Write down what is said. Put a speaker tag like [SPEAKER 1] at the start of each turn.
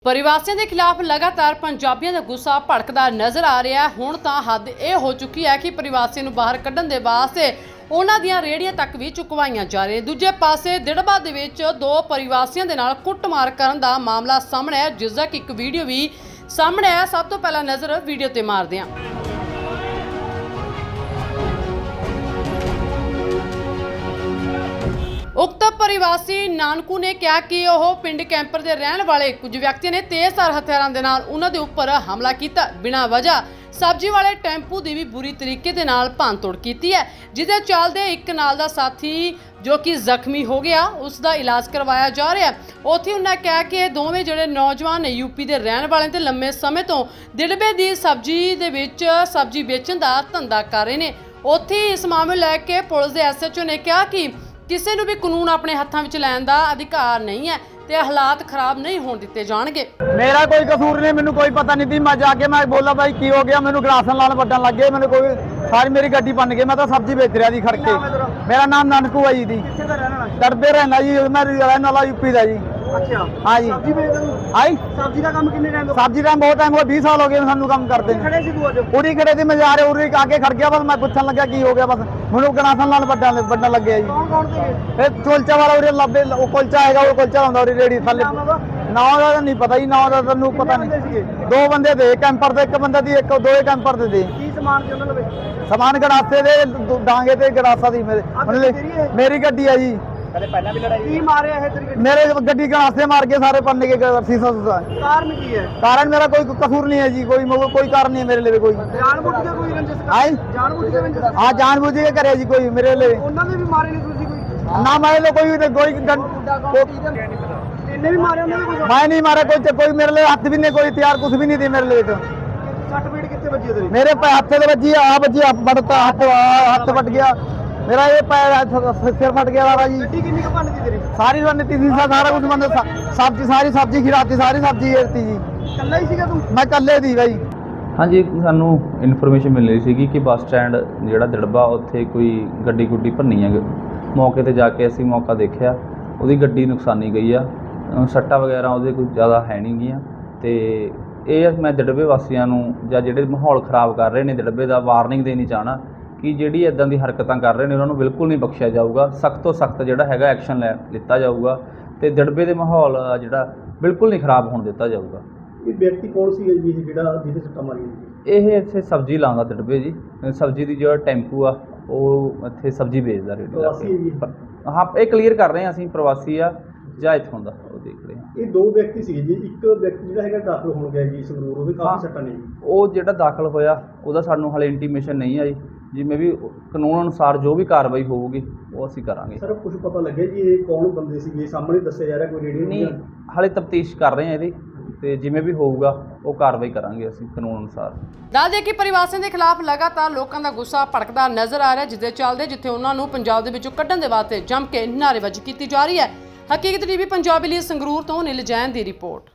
[SPEAKER 1] ਪ੍ਰਵਾਸੀਆਂ ਦੇ ਖਿਲਾਫ ਲਗਾਤਾਰ ਪੰਜਾਬੀਆਂ ਦਾ ਗੁੱਸਾ ਭੜਕਦਾ ਨਜ਼ਰ ਆ ਰਿਹਾ ਹੈ। ਹੁਣ ਤਾਂ ਹੱਦ ਇਹ ਹੋ ਚੁੱਕੀ ਹੈ ਕਿ ਪ੍ਰਵਾਸੀਆਂ ਨੂੰ ਬਾਹਰ ਕੱਢਣ ਦੇ ਵਾਸਤੇ ਉਹਨਾਂ ਦੀਆਂ ਰੇੜੀਆਂ ਤੱਕ ਵੀ ਚੁਕਵਾਈਆਂ ਜਾ ਰਹੀਆਂ। ਦੂਜੇ ਪਾਸੇ ਦਿੜਬਾ ਦੇ ਵਿੱਚ ਦੋ ਪ੍ਰਵਾਸੀਆਂ ਦੇ ਨਾਲ ਕੁੱਟਮਾਰ ਕਰਨ ਦਾ ਮਾਮਲਾ ਸਾਹਮਣੇ ਆਇਆ, ਜਿਸ ਦਾ ਇੱਕ ਵੀਡੀਓ ਵੀ ਸਾਹਮਣੇ ਆਇਆ। ਸਭ ਤੋਂ ਪਹਿਲਾਂ ਨਜ਼ਰ ਵੀਡੀਓ ਤੇ ਮਾਰਦੇ ਹਾਂ। उक्त प्रवासी नानकू ने कहा कि वह पिंड कैंपर के रहने वाले कुछ व्यक्तियों ने तेजधार हथियारों के नाल उन्हां दे उपर हमला किया। बिना वजह सब्जी वाले टैंपू की भी बुरी तरीके दे नाल भंन-तोड़ की है, जिसके चलते एक नाल दा साथी जो कि जख्मी हो गया, उसका इलाज करवाया जा रहा है। उत्थे उन्हें कहा कि दोवें जिहड़े नौजवान यूपी के रहने वाले ते लंबे समय तो दिड़बे की सब्जी दे विच सब्जी बेचण दा धंधा कर रहे हैं। उत्थे इस मामले लैके पुलिस के SHO ने कहा कि किसी ਨੂੰ भी कानून अपने हाथों में लैन का अधिकार नहीं है ते हालात खराब नहीं होने दिते जाणगे।
[SPEAKER 2] मेरा कोई कसूर नहीं, मैनू कोई पता नहीं थी। मैं जाके मैं बोला भाई की हो गया, मैनू गलासन लाल बड्डन लग गए। मैंने कोई सारी मेरी गड्डी बन गई, मैं तो सब्जी बेच रहा जी खड़ के। मेरा नाम नानकू है जी, डरबे रहना जी, मैं रहने वाला यूपी का जी।
[SPEAKER 3] अच्छा
[SPEAKER 2] हाँ जी।
[SPEAKER 3] सब्जी बेचदा
[SPEAKER 2] आई
[SPEAKER 3] सब्जी का काम कितने टाइम हो
[SPEAKER 2] सब्जी का बहुत टाइम हो, 20 साल हो गए सानू काम करते
[SPEAKER 3] खड़े सी तू अज
[SPEAKER 2] उरी खड़े थी। मैं जा रहे उरी आके खड़ गया, बस मैं पूछन लगा की हो गया, बस मैनू गलासन लाल बड्डन लग गया जी।
[SPEAKER 3] कौन कौन थे
[SPEAKER 2] कुलचा वाला उरी लब्बे कुलचा है, वो कुलचा होंदा उरी रेड़ी थल्ले। ना का नहीं पता जी, ना का तैनू पता नहीं। दो बंदे थे कैंपर ते, एक बंदा दी, एक दो कैंपर ते थे।
[SPEAKER 3] की सामान से उन्होंने
[SPEAKER 2] समान गड़ासे दे डांगे ते गड़ासा दी मेरी गड्डी है जी।
[SPEAKER 3] कदे पहला भी लड़ाई की मारे है तेरी
[SPEAKER 2] मेरे गड्डी गड़ासे मार के सारे पन्ने के शीशा सूसा।
[SPEAKER 3] कारण की है
[SPEAKER 2] कारण मेरा कोई कसूर नहीं है जी, कोई कारण नहीं है मेरे लिए कोई।
[SPEAKER 3] जानबूझ के कोई रंजिश
[SPEAKER 2] आई
[SPEAKER 3] जानबूझ के रंजिश
[SPEAKER 2] हाँ जानबूझ के करे जी कोई मेरे लिए।
[SPEAKER 3] उन्होंने भी मारे नहीं तुसी कोई
[SPEAKER 2] ना मैं लोग कोई
[SPEAKER 3] इन्हें भी मारे उन्होंने कोई
[SPEAKER 2] मैं नहीं मारा कोई मेरे लिए हाथ भी नहीं, कोई हथियार कुछ भी नहीं थी मेरे लिए। तो
[SPEAKER 3] सट पीट कितने बजे तेरी
[SPEAKER 2] मेरे हाथ से बजी बढ़ता हाथ फट गया मेरा, ये पैर सिर फट गया वाला जी।
[SPEAKER 3] गड्डी कितनी का भन्न थी तेरी
[SPEAKER 2] सारी बनती थी, सारा कुछ बंद सब्जी सारी सब्जी खिलाती, सारी सब्जी गिरती जी।
[SPEAKER 3] कल्ला ही सीगा तू
[SPEAKER 2] मैं कल्ले थी भाई।
[SPEAKER 4] हाँ जी, सानू इन्फॉर्मेशन मिल रही थी कि बस स्टैंड जिहड़ा दिड़बा उत्थे कोई गड्डी गुड्डी भन्नी है। मौके ते जाके असीं मौका देखिया, उहदी गड्डी नुकसानी गई आ, सट्टा वगैरह ਉਹਦੇ ਕੋਈ ਜ਼ਿਆਦਾ ਹੈ ਨਹੀਂ ਗੀਆਂ। ਤੇ ਇਹ ਮੈਂ ਦਿੜਬੇ ਵਾਸੀਆਂ ਨੂੰ ਜਾਂ ਜਿਹੜੇ ਮਾਹੌਲ ਖਰਾਬ ਕਰ ਰਹੇ ਨੇ ਦਿੜਬੇ ਦਾ ਵਾਰਨਿੰਗ ਦੇਣੀ ਚਾਹਣਾ ਕਿ ਜਿਹੜੀ ਇਦਾਂ ਦੀ ਹਰਕਤਾਂ ਕਰ ਰਹੇ ਨੇ ਉਹਨਾਂ ਨੂੰ ਬਿਲਕੁਲ ਨਹੀਂ ਬਖਸ਼ਿਆ ਜਾਊਗਾ। ਸਖਤ ਤੋਂ ਸਖਤ ਜਿਹੜਾ ਹੈਗਾ ਐਕਸ਼ਨ ਲਿੱਤਾ ਜਾਊਗਾ ਤੇ ਦਿੜਬੇ ਦੇ ਮਾਹੌਲ ਜਿਹੜਾ ਬਿਲਕੁਲ ਨਹੀਂ ਖਰਾਬ ਹੋਣ ਦਿੱਤਾ ਜਾਊਗਾ।
[SPEAKER 3] ਇਹ ਵਿਅਕਤੀ ਕੌਣ ਸੀ ਜੀ ਜਿਹੜਾ ਜਿਹਦੇ ਸੱਟਾਂ ਮਾਰੀਆਂ
[SPEAKER 4] ਇਹ ਇੱਥੇ ਸਬਜ਼ੀ ਲਾਉਂਦਾ ਦਿੜਬੇ ਜੀ। ਸਬਜ਼ੀ ਦੀ ਜਿਹੜਾ ਟੈਂਪੂ ਆ ਉਹ ਇੱਥੇ ਸਬਜ਼ੀ ਵੇਚਦਾ ਰੇੜੀ
[SPEAKER 3] ਪ੍ਰਵਾਸੀ ਹੈ ਜੀ?
[SPEAKER 4] ਹਾਂ, ਇਹ ਕਲੀਅਰ ਕਰ ਰਹੇ ਹਾਂ ਅਸੀਂ ਪ੍ਰਵਾਸੀ ਆ ਜਾਂ ਇੱਥੋਂ ਦਾ, ਉਹ ਦੇਖ ਰਹੇ ਹਾਂ।
[SPEAKER 3] ਇਹ ਦੋ ਵਿਅਕਤੀ ਸੀ ਜੀ, ਇੱਕ ਵਿਅਕਤੀ ਜਿਹੜਾ ਹੈਗਾ ਦਾਖਲ ਹੋਣ ਗਿਆ ਜੀ ਸੰਗਰੂਰ, ਉਹਦੇ ਕਾਫੀ ਸੱਟਾਂ ਨੇ ਜੀ।
[SPEAKER 4] ਉਹ ਜਿਹੜਾ ਦਾਖਲ ਹੋਇਆ ਉਹਦਾ ਸਾਨੂੰ ਹਾਲੇ ਇੰਟੀਮੇਸ਼ਨ ਨਹੀਂ ਆਈ, ਜਿਵੇਂ ਵੀ ਕਾਨੂੰਨ ਅਨੁਸਾਰ ਜੋ ਵੀ ਕਾਰਵਾਈ ਹੋਊਗੀ ਉਹ ਅਸੀਂ ਕਰਾਂਗੇ।
[SPEAKER 3] ਸਰ ਕੁਝ ਪਤਾ ਲੱਗਿਆ ਜੀ ਇਹ ਕੌਣ ਬੰਦੇ ਸੀਗੇ? ਸਾਹਮਣੇ ਦੱਸਿਆ ਜਾ ਰਿਹਾ ਕੋਈ ਰੇਡੀਓ
[SPEAKER 4] ਨਹੀਂ, ਹਾਲੇ ਤਫਤੀਸ਼ ਕਰ ਰਹੇ ਹਾਂ ਇਹਦੀ, ਤੇ ਜਿਵੇਂ ਵੀ ਹੋਊਗਾ ਉਹ ਕਾਰਵਾਈ ਕਰਾਂਗੇ ਅਸੀਂ ਕਾਨੂੰਨ ਅਨੁਸਾਰ।
[SPEAKER 1] ਦੱਸ ਦੇ ਕਿ ਪ੍ਰਵਾਸੀਆਂ ਦੇ ਖਿਲਾਫ ਲਗਾਤਾਰ ਲੋਕਾਂ ਦਾ ਗੁੱਸਾ ਭੜਕਦਾ ਨਜ਼ਰ ਆ ਰਿਹਾ, ਜਿਸਦੇ ਚੱਲਦੇ ਜਿੱਥੇ ਉਹਨਾਂ ਨੂੰ ਪੰਜਾਬ ਦੇ ਵਿੱਚੋਂ ਕੱਢਣ ਦੇ ਵਾਸਤੇ ਜੰਮ ਕੇ ਨਾਅਰੇਬਾਜ਼ੀ ਕੀਤੀ ਜਾ ਰਹੀ ਹੈ। ਹਕੀਕਤ TV ਪੰਜਾਬੀ ਲਈ ਸੰਗਰੂਰ ਤੋਂ ਨੀਲ ਜੈਨ ਦੀ ਰਿਪੋਰਟ।